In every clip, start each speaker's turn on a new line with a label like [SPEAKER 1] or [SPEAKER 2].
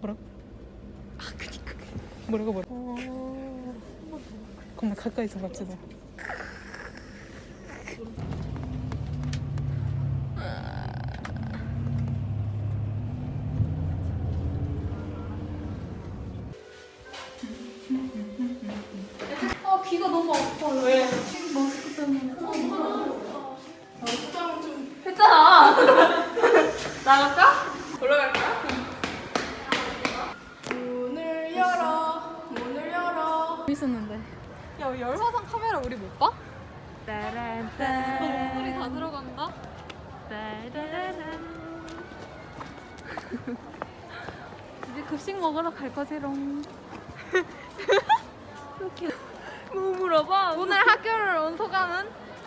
[SPEAKER 1] 뭐라고? 그니까 뭐라고 겁나 가까이서 봤지 너.
[SPEAKER 2] 귀가 너무 아파. 왜? 마스크 때문에. 포장 좀 했잖아. 나갈까? 올라갈까? 문을 열어. 문을 열어.
[SPEAKER 1] 재밌었는데. 야, 열화상 카메라 우리 못 봐?
[SPEAKER 2] 따란따.
[SPEAKER 1] 소리 다 들어간다. 이제 급식 먹으러 갈 거지롱. 뭐 물어봐? 오늘 학교를 온 소감은?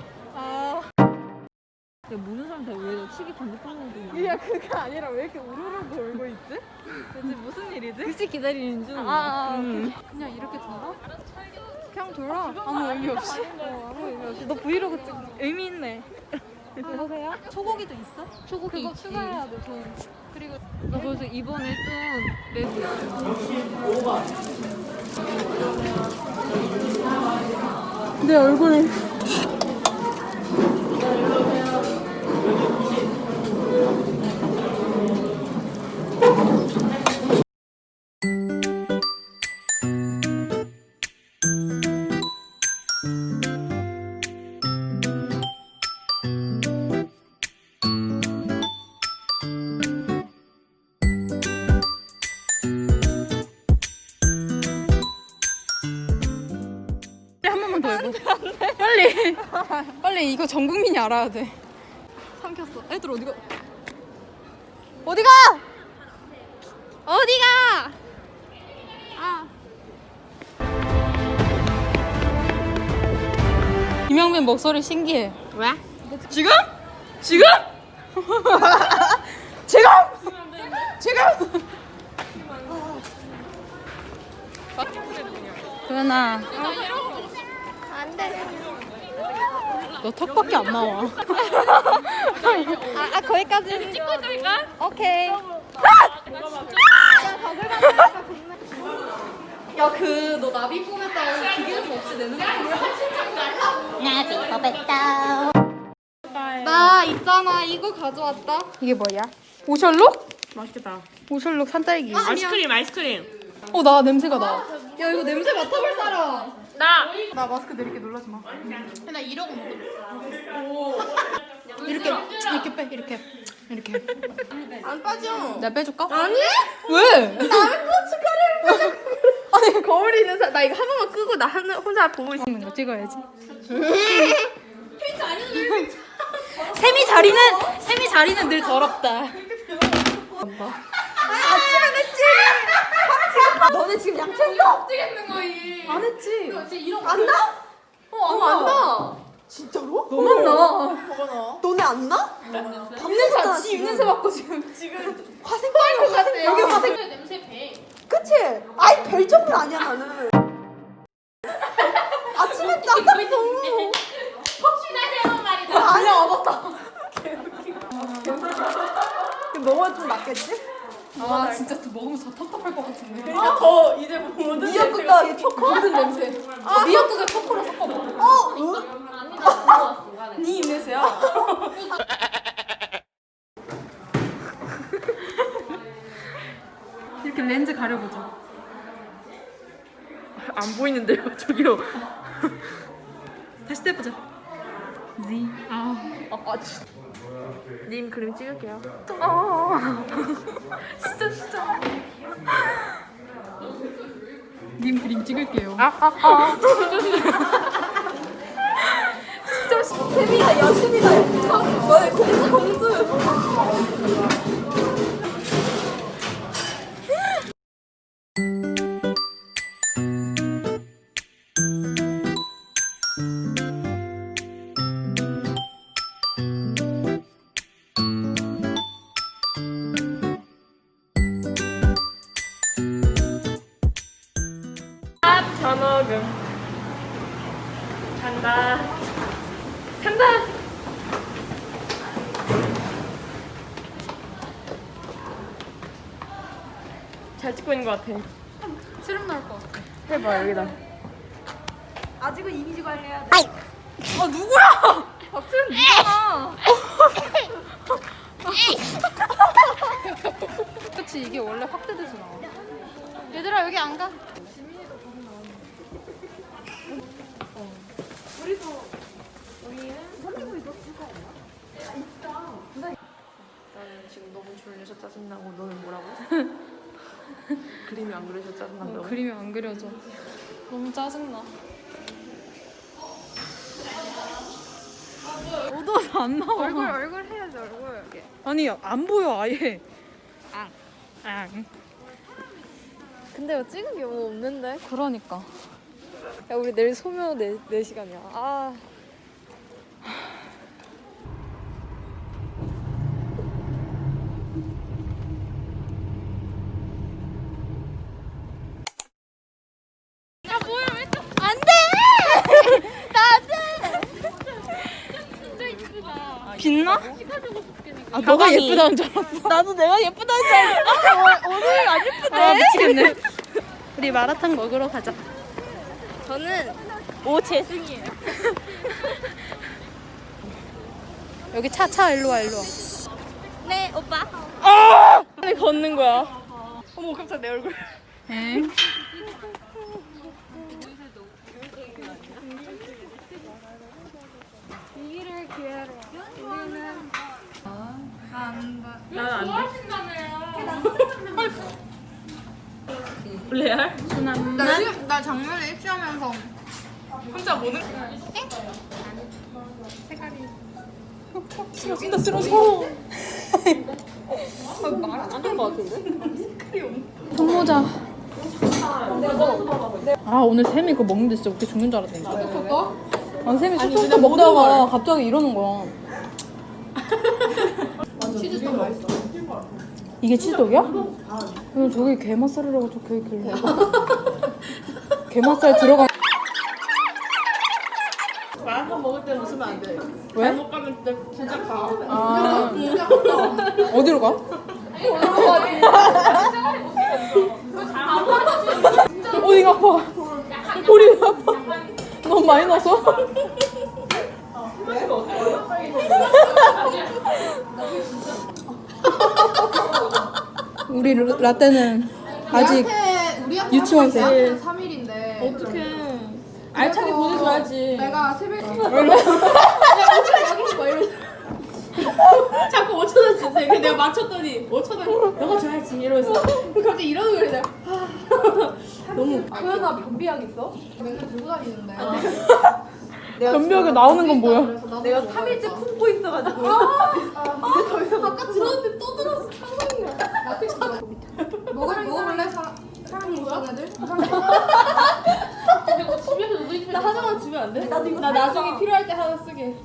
[SPEAKER 1] 야, 모르는 사람 다왜 치기 반대편으로
[SPEAKER 2] 야, 그게 아니라 왜 이렇게 우르르 돌고 있지?
[SPEAKER 1] 대체 무슨 일이지? 급식 기다리는 중. 그냥 이렇게 돌아? 그냥 돌아. 아무 의미 없이. 아무 의미 없이. 너 브이로그 찍 의미 있네. 여보세요? 초고기도 있어? 초고기 그거 있지. 추가해야 돼, 돈. 그리고 나 벌써 이번에 좀 내고 있어. 내 얼굴. 한 번만 더 해봐. 빨리. 빨리 이거 전 국민이 알아야 돼. 삼켰어. 애들 어디가? 어디가? 어디가? 김영민 목소리 신기해.
[SPEAKER 2] 왜?
[SPEAKER 1] 지금? 지금? 지금? 지금? 도연아.
[SPEAKER 2] 안돼.
[SPEAKER 1] 너 턱밖에 안 나와.
[SPEAKER 2] 거기까지 찍고 있으니까? 오케이. 야, 너 나비 뿜했다고 기계음 없이 내는 거
[SPEAKER 3] 나비 뽑았다.
[SPEAKER 2] 나 있잖아, 이거 가져왔다.
[SPEAKER 1] 이게 뭐야? 오셜록?
[SPEAKER 4] 맛있겠다.
[SPEAKER 1] 오셜록 산딸기.
[SPEAKER 4] 아이스크림.
[SPEAKER 1] 나 냄새가 나.
[SPEAKER 2] 야, 이거 냄새 맡아볼 사람.
[SPEAKER 1] 나 마스크 내릴게 놀라지 마.
[SPEAKER 2] 나 이러고 먹어.
[SPEAKER 1] 이렇게 빼. 이렇게.
[SPEAKER 2] 안 빠져.
[SPEAKER 1] 내가 빼줄까?
[SPEAKER 2] 아니?
[SPEAKER 1] 왜?
[SPEAKER 2] 남의 고춧가루를 아니, 거울이 있는 사람. 나 이거 한 번만 끄고 나 혼자 보고 있어.
[SPEAKER 1] 먹는 거 찍어야지.
[SPEAKER 2] 핀트 아니야?
[SPEAKER 1] 세미 자리는 늘 더럽다.
[SPEAKER 2] 아침에 냈지. 너네 지금 양치했어? 찍겠는 거이.
[SPEAKER 1] 안 했지.
[SPEAKER 2] 안 나? 안 나. 진짜로?
[SPEAKER 1] 너만 나.
[SPEAKER 2] 너네 안 나? 밤냄새 지 입냄새 맡고 지금 화생 빨것 같아. 여기 화생 냄새 배. 그치? 아이 별 정도 아니야 나는. 아침에 짰다면서. 혹시나 잘못 말이다. 아니야 맞다. 너가 좀 낫겠지?
[SPEAKER 1] 아 진짜 먹으면 더 텁텁할 것 같은데.
[SPEAKER 2] 그러니까 더 이제 모든 미역국과 초코? 모든 냄새. 미역국에 초코를 섞어 먹어. 네 입냄새야.
[SPEAKER 1] 이렇게 렌즈 가려보자.
[SPEAKER 4] 안 보이는데요, 저기요.
[SPEAKER 1] 다시 떼보자. Z.
[SPEAKER 4] 님 그림 찍을게요.
[SPEAKER 1] 진짜. 님 그림 찍을게요.
[SPEAKER 2] 세미야 여신이다. 너네 공주.
[SPEAKER 4] 전어금. 간다. 잘 찍고 있는 것 같아.
[SPEAKER 1] 트름 나올 것 같아.
[SPEAKER 4] 해봐 여기다.
[SPEAKER 2] 아직은 이미지 관리해야 돼.
[SPEAKER 1] 아 누구야? 박트름 누구야? 그치 이게 원래 확대돼서 나와. 얘들아 여기 안 가.
[SPEAKER 4] 나는 지금 너무 졸려서 짜증나고 너는 뭐라고? 그림이 안 그려서 짜증난다고?
[SPEAKER 1] 그림이 안 그려져. 너무 짜증나. 어두워서 안 나와. 얼굴 해야지 얼굴. 아니 안 보여 아예. 앙.
[SPEAKER 3] 근데 이거 찍은 게 뭐 없는데?
[SPEAKER 1] 그러니까.
[SPEAKER 3] 야 우리 내일 소묘 4시간이야. 아
[SPEAKER 1] 빛나? 아 너가 예쁘다는 줄 알았어.
[SPEAKER 2] 나도 내가 예쁘다는 줄 알았어. 오늘 안 예쁘대.
[SPEAKER 1] 아 미치겠네. 우리 마라탕 먹으러 가자.
[SPEAKER 3] 저는
[SPEAKER 2] 오재승이에요.
[SPEAKER 1] 여기 차 일로 와.
[SPEAKER 2] 네 오빠.
[SPEAKER 3] 빨리 걷는 거야.
[SPEAKER 2] 어머 깜짝 내 얼굴.
[SPEAKER 1] 엥?
[SPEAKER 4] 나는 안 돼. 레알?
[SPEAKER 1] 나 작년에 입시하면서
[SPEAKER 4] 혼자 모는.
[SPEAKER 2] 쓰러진다 쓰러져.
[SPEAKER 1] 손모자. 아 오늘 샘이 그거 먹는데 진짜 어떻게 죽는 줄 알았다니까. 아 샘이 초코우유 먹다가 갑자기 이러는 거야. 치즈떡 맛있어. 이게 치즈떡이야? 그럼 저기 게맛살이라고 적혀있길래. 게맛살 들어간.
[SPEAKER 4] 마라탕 먹을 때는 웃으면 안 돼.
[SPEAKER 1] 왜?
[SPEAKER 4] 잘못 가면 진짜 가.
[SPEAKER 1] 아 어디로 가? 어디가 아파? 머리가 아파. 너무 많이 넣어서? 우리 라떼는 아직 유치원생.
[SPEAKER 5] 3일인데
[SPEAKER 4] 어떡해. 알차게 보내줘야지.
[SPEAKER 5] 내가 새벽에
[SPEAKER 4] 자꾸 5,000원 주세요. 근데 내가 맞췄더니 5,000원 너가 줘야지 이러면서.
[SPEAKER 5] 갑자기 이러는 거야. 내가
[SPEAKER 4] 너무
[SPEAKER 5] 소연아 변비약 있어? 맨날 들고 다니는데
[SPEAKER 1] 변비하게 나오는 건 뭐야?
[SPEAKER 2] 내가 3일째 품고 있어가지고.
[SPEAKER 5] 아까 들었는데 또 들었어. 상상이야. 먹어볼래? 사람 먹는 애들?
[SPEAKER 4] 나 하나만 주면 안 돼? 나 나중에 필요할 때 하나 쓰게.